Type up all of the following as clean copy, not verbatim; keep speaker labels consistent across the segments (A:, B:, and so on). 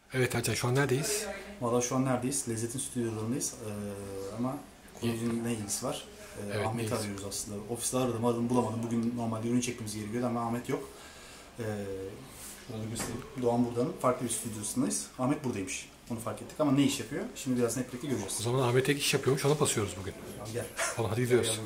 A: Evet Ercan, şu an neredeyiz?
B: Valla şu an neredeyiz? Lezzet'in stüdyolarındayız. Ama konunun ne ilgisi var?
A: Evet,
B: Ahmet'i arıyoruz aslında. Ofiste aradım bulamadım. Bugün normalde ürün çekmemiz gerekiyordu ama Ahmet yok. Şurada göstereyim. Doğan Burda'nın farklı bir stüdyosundayız. Ahmet buradaymış. Onu fark ettik ama ne iş yapıyor? Şimdi birazdan hep birlikte göreceğiz.
A: O zaman Ahmet ek iş yapıyormuş, ona basıyoruz bugün.
B: Tamam, gel.
A: Tamam, hadi gidiyoruz.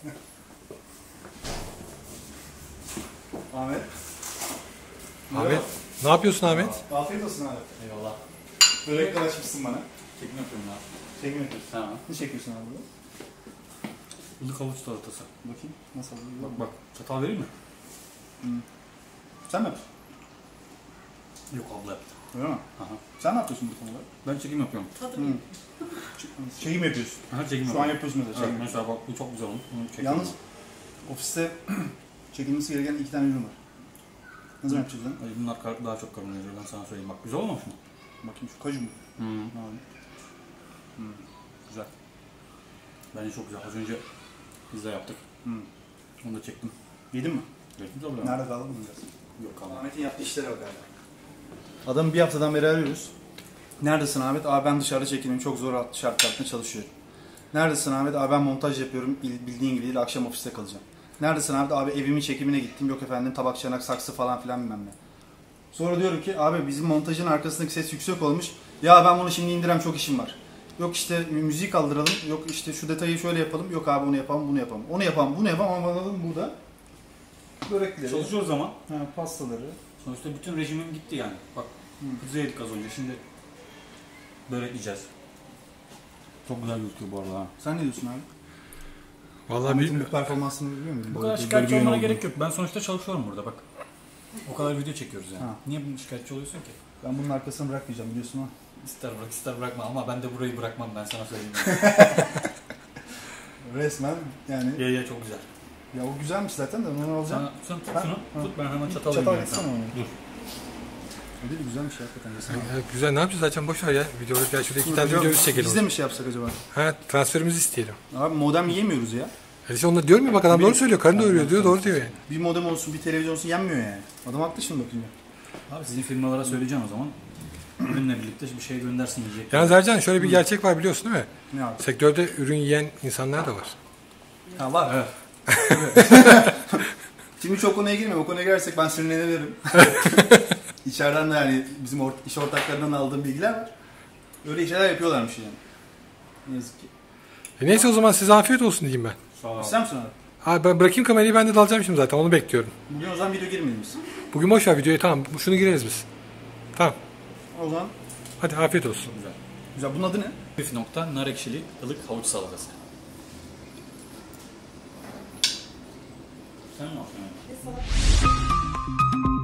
B: Ahmet.
A: Ahmet, ne yapıyorsun Ahmet?
B: Afiyet olsun Ahmet.
C: Eyvallah.
B: Börekler açmışsın bana.
C: Çekim yapıyorum ya.
B: Çekim yapıyorsun.
C: Ha.
B: Ne çekiyorsun abi burada?
C: Ilık havuç salatası.
B: Bakayım. Nasıl oluyor?
C: Bak. Çatal vereyim mi?
B: Sen mi yapıyorsun?
C: Yok, abla yaptı.
B: Öyle mi?
C: Aha.
B: Sen ne yapıyorsun bu konuda?
C: Ben çekim yapıyorum.
B: Çekim yapıyorsun.
C: Aha, çekim
B: Şu an
C: yapıyorum.
B: yapıyorsun mesela.
C: Evet,
B: Çekim.
C: mesela bak bu çok güzel olmuş. Bunu çekiyorum.
B: Yalnız ofiste çekilmesi gereken 2 tane ürün var. Ne zaman yapacağız lan?
C: Ay, bunlar daha çok karbonhidrat, ben sana söyleyeyim. Bak güzel olmamış mı?
B: Bakayım şu kaju mu? Abi.
C: Güzel. Bence çok güzel. Az önce pizza yaptık. Onu da çektim.
B: Yedin mi?
C: Çektim tabii.
B: Nerede kaldı bunu biraz?
C: Yok kalmadı.
B: Ahmet'in yaptığı işlere bak abi. Adamı bir haftadan beri arıyoruz. Neredesin Ahmet? Abi ben dışarıda çekiliyorum. Çok zor şartlarda çalışıyorum. Neredesin Ahmet? Abi ben montaj yapıyorum. Bildiğin gibi değil. Akşam ofiste kalacağım. Neredesin Ahmet? Abi evimin çekimine gittim. Yok efendim tabak, çanak, saksı falan filan bilmem ne. Sonra diyorum ki abi bizim montajın arkasındaki ses yüksek olmuş. Ya ben bunu şimdi indirem, çok işim var. Yok işte müziği kaldıralım. Yok işte şu detayı şöyle yapalım. Yok abi onu yapalım, bunu yapalım. Onu yapalım, bunu yapalım ama anladın burada. Börekleri,
C: Çalışıyoruz ama.
B: pastaları.
C: Sonuçta bütün rejimim gitti yani. Bak pizza yedik az önce. Şimdi börek yiyeceğiz. Çok güzel gözüküyor bu arada ha.
B: Sen ne diyorsun abi?
A: Vallahi
B: Ahmet'in bu
A: bir
B: performansını biliyor musun?
C: Bu kadar şikayetçi olmana gerek yok. Ben sonuçta çalışıyorum burada bak. O kadar video çekiyoruz yani.
B: Ha.
C: Niye bunun şikayetçi oluyorsun ki?
B: Ben bunun arkasını bırakmayacağım biliyorsun ha.
C: İster bırak ister bırakma ama ben de burayı bırakmam, ben sana söyleyeyim.
B: Resmen yani.
C: Ya çok güzel.
B: Ya o güzelmiş zaten de onu alacağım.
C: Sen tut
B: Ha?
C: şunu.
B: Ha.
C: Tut, ben hemen çatal
B: Çatal
C: vereyim
B: gitsene
C: sana.
B: onu.
C: Dur.
B: Öyle de güzelmiş hakikaten.
A: ya, güzel, ne yapacağız Ercan, boş ver ya. Videoları gel, şurada 2 tane videomuz çekelim.
B: Biz de mi şey yapsak acaba?
A: Ha, transferimizi isteyelim.
B: Abi modem yiyemiyoruz ya.
A: Yani işte onlar diyorum ya, bak adam doğru söylüyor. Karın doyuruyor diyor, doğru diyor yani.
B: Bir modem olsun, bir televizyon olsun yenmiyor yani. Adam haklı şimdi bakınca.
C: Abi sizin firmalara söyleyeceğim o zaman. Ürünle birlikte bir şey göndersin yiyecek.
A: Yalnız Ercan, şöyle bir gerçek var biliyorsun değil mi?
B: Ne abi?
A: Sektörde ürün yiyen insanlar da var.
B: Ha var.
C: Evet.
B: Şimdi çok konuya girme. O konuya girersek ben sinirlenirim. İçeriden de yani bizim iş ortaklarından aldığım bilgiler var. Öyle şeyler yapıyorlarmış yani. Ne yazık ki.
A: Neyse o zaman size afiyet olsun diyeyim ben.
C: Sağ ol.
B: İster misin abi?
A: Abi ben bırakayım kamerayı, ben de dalacağım şimdi zaten, onu bekliyorum.
B: Bugün o zaman video girmeyelim biz.
A: Bugün boş ver videoyu, tamam, şunu gireriz biz. Tamam,
B: O zaman
A: hadi afiyet olsun.
C: Güzel.
B: güzel. Bunun adı ne?
C: Püf nokta nar ekşili ılık havuç salatası. Sen ne yapıyorsun?